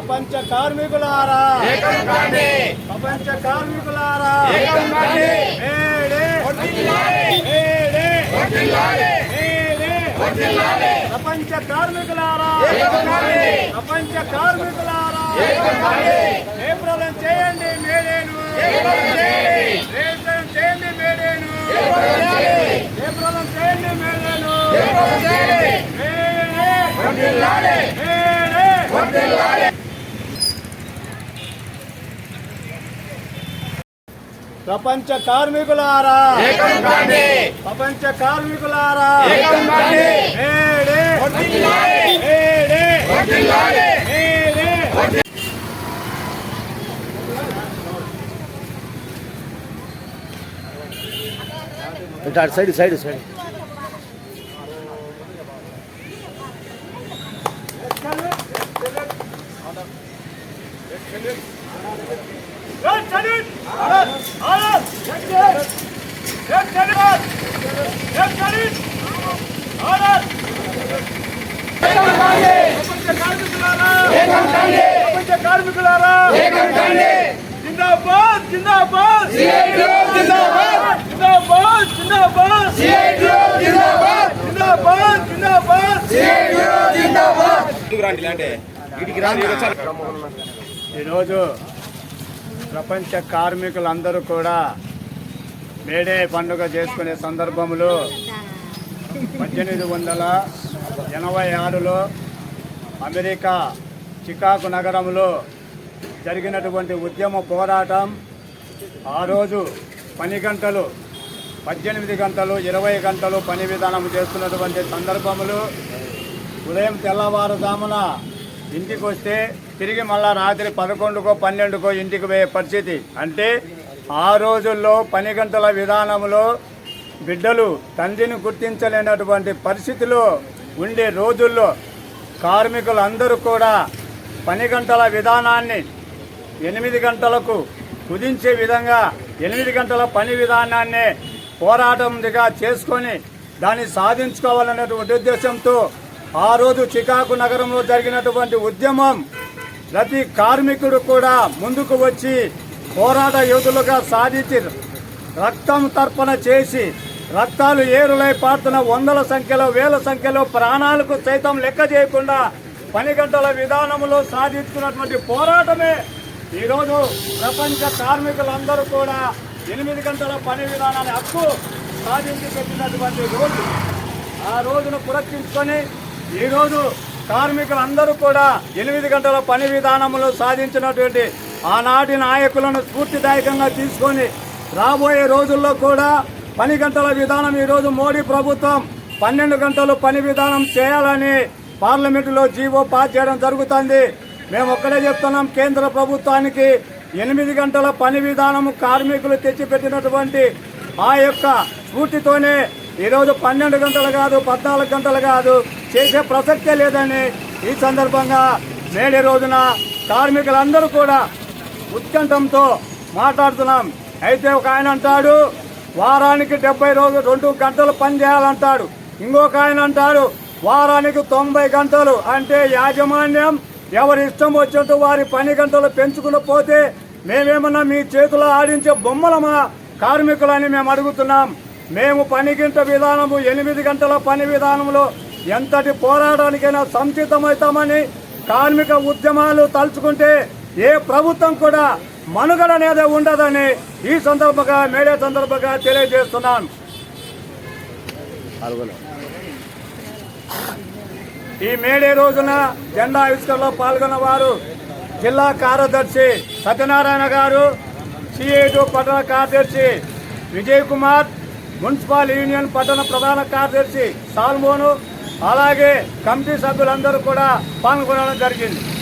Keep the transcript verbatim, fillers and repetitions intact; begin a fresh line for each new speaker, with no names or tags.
ప్రపంచ కార్మికులారా ప్రపంచ కార్మికులారా ప్రపంచ కార్మికులారా ప్రపంచ కార్మికులారా ఏప్రలం చేయండి మేడేను ఏప్రలం చేయండి మేడేను ఏప్రలం చేయండి మేడేను ప్రపంచ కార్మికులారా ప్రపంచ కార్మికులారా
సైడ్ సైడ్ సైడ్
కార్మికులారా జిందాబాద్ జిందాబాద్ జిందాబాద్ జిందాబాద్ జిందాబాద్ జిందాబాద్ ఈరోజు ప్రపంచ కార్మికులందరూ కూడా మేడే పండుగ చేసుకునే సందర్భంలో పద్దెనిమిది వందల ఎనభై ఆరులో అమెరికా చికాగో నగరంలో జరిగినటువంటి ఉద్యమ పోరాటం. ఆ రోజు పని గంటలు పద్దెనిమిది గంటలు ఇరవై గంటలు పని విధానం చేస్తున్నటువంటి సందర్భంలో ఉదయం తెల్లవారుజామున ఇంటికి వస్తే తిరిగి మళ్ళా రాత్రి పదకొండుకో పన్నెండుకో ఇంటికి పోయే పరిస్థితి. అంటే ఆ రోజుల్లో పని గంటల విధానంలో బిడ్డలు తండ్రిని గుర్తించలేనటువంటి పరిస్థితిలో ఉండే రోజుల్లో కార్మికులందరూ కూడా పని గంటల విధానాన్ని ఎనిమిది గంటలకు కుదించే విధంగా ఎనిమిది గంటల పని విధానాన్ని పోరాటంగా చేసుకొని దాన్ని సాధించుకోవాలనేటువంటి ఉద్దేశంతో ఆ రోజు చికాగో నగరంలో జరిగినటువంటి ఉద్యమం ప్రతి కార్మికుడు కూడా ముందుకు వచ్చి పోరాట యోధులుగా సాధించి రక్తం తర్పణ చేసి రక్తాలు ఏరులై పారుతున్న వందల సంఖ్యలో వేల సంఖ్యలో ప్రాణాలకు సైతం లెక్క చేయకుండా పని గంటల విధానంలో సాధించుకున్నటువంటి పోరాటమే ఈరోజు ప్రపంచ కార్మికులందరూ కూడా ఎనిమిది గంటల పని విధానాన్ని హక్కు సాధించి పెట్టినటువంటి రోజు. ఆ రోజును పురస్కరించుకొని ఈరోజు కార్మికులందరూ కూడా ఎనిమిది గంటల పని విధానంలో సాధించినటువంటి ఆనాటి నాయకులను స్ఫూర్తిదాయకంగా తీసుకొని రాబోయే రోజుల్లో కూడా పని గంటల విధానం ఈరోజు మోడీ ప్రభుత్వం పన్నెండు గంటలు పని విధానం చేయాలని పార్లమెంటులో జీవో పాస్ చేయడం జరుగుతుంది. మేము ఒక్కడే చెప్తున్నాం, కేంద్ర ప్రభుత్వానికి ఎనిమిది గంటల పని విధానం కార్మికులు తెచ్చిపెట్టినటువంటి ఆ యొక్క స్ఫూర్తితోనే ఈరోజు పన్నెండు గంటలు కాదు పద్నాలుగు గంటలు కాదు చేసే ప్రసక్తే లేదని ఈ సందర్భంగా నేడే రోజున కార్మికులందరూ కూడా ఉత్కంఠంతో మాట్లాడుతున్నాం. అయితే ఒక ఆయన అంటాడు వారానికి డెబ్బై రోజులు రెండు గంటలు పని చేయాలంటాడు. ఇంకొక ఆయన అంటాడు వారానికి తొంభై గంటలు. అంటే యాజమాన్యం ఎవరి ఇష్టం వచ్చినట్టు వారి పని గంటలు పెంచుకుని పోతే మేమేమన్నా మీ చేతిలో ఆడించే బొమ్మలమా కార్మికులని మేము అడుగుతున్నాం. మేము పని గంట విధానము ఎనిమిది గంటల పని విధానంలో ఎంతటి పోరాటానికైనా సంసిద్ధమవుతామని కార్మిక ఉద్యమాలు తలుచుకుంటే ఏ ప్రభుత్వం కూడా మనుగడ అనేది ఉండదని ఈ సందర్భంగా మేడే సందర్భంగా తెలియజేస్తున్నాను. ఈ మేడే రోజున జెండా ఆవిష్కరణలో పాల్గొన్న వారు జిల్లా కార్యదర్శి సత్యనారాయణ గారు, సిఐటి పట్టణ కార్యదర్శి విజయ్ కుమార్, మున్సిపల్ యూనియన్ పట్టణ ప్రధాన కార్యదర్శి సాల్మోను, అలాగే కమిటీ సభ్యులందరూ కూడా పాల్గొనడం జరిగింది.